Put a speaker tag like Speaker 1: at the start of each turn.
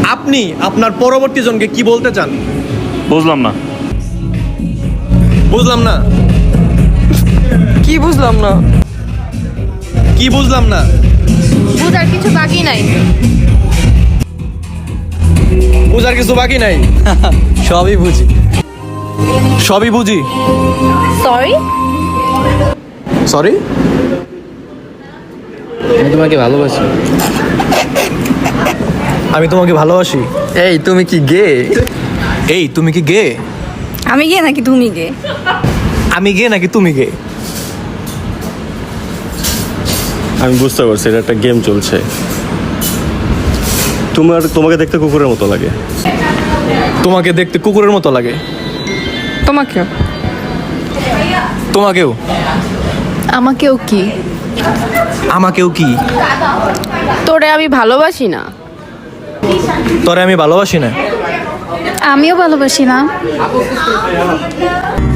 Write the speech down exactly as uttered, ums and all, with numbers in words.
Speaker 1: আপনি আপনার পরবর্তী জনকে কি বলতে চান?
Speaker 2: বুঝলাম না।
Speaker 1: বুঝলাম না
Speaker 3: কি বুঝলাম না?
Speaker 1: কি বুঝলাম না
Speaker 4: বুঝার কিছু বাকি নাই।
Speaker 1: বুঝার কিছু বাকি নাই।
Speaker 3: সবই বুঝি।
Speaker 1: সবই বুঝি।
Speaker 4: সরি।
Speaker 1: সরি।
Speaker 3: আমি তোমাকে ভালোবাসি।
Speaker 1: আমি তোমাকে ভালোবাসি।
Speaker 3: এই তুমি কি গে?
Speaker 1: এই তুমি কি গে?
Speaker 4: আমি গে নাকি তুমি গে?
Speaker 1: আমি গে নাকি তুমি গে?
Speaker 2: আমি বুঝতে পারছি এটা একটা গেম চলছে। তোমার তোমাকে দেখতে কুকুরের মতো লাগে।
Speaker 1: তোমাকে দেখতে কুকুরের মতো লাগে।
Speaker 4: তোমাকেও।
Speaker 1: তোমাকেও।
Speaker 4: আমাকেও কি?
Speaker 1: আমাকেও কি?
Speaker 4: তোরে আমি ভালোবাসি না।
Speaker 1: তোরে আমি ভালোবাসি না।
Speaker 4: আমিও ভালোবাসি না।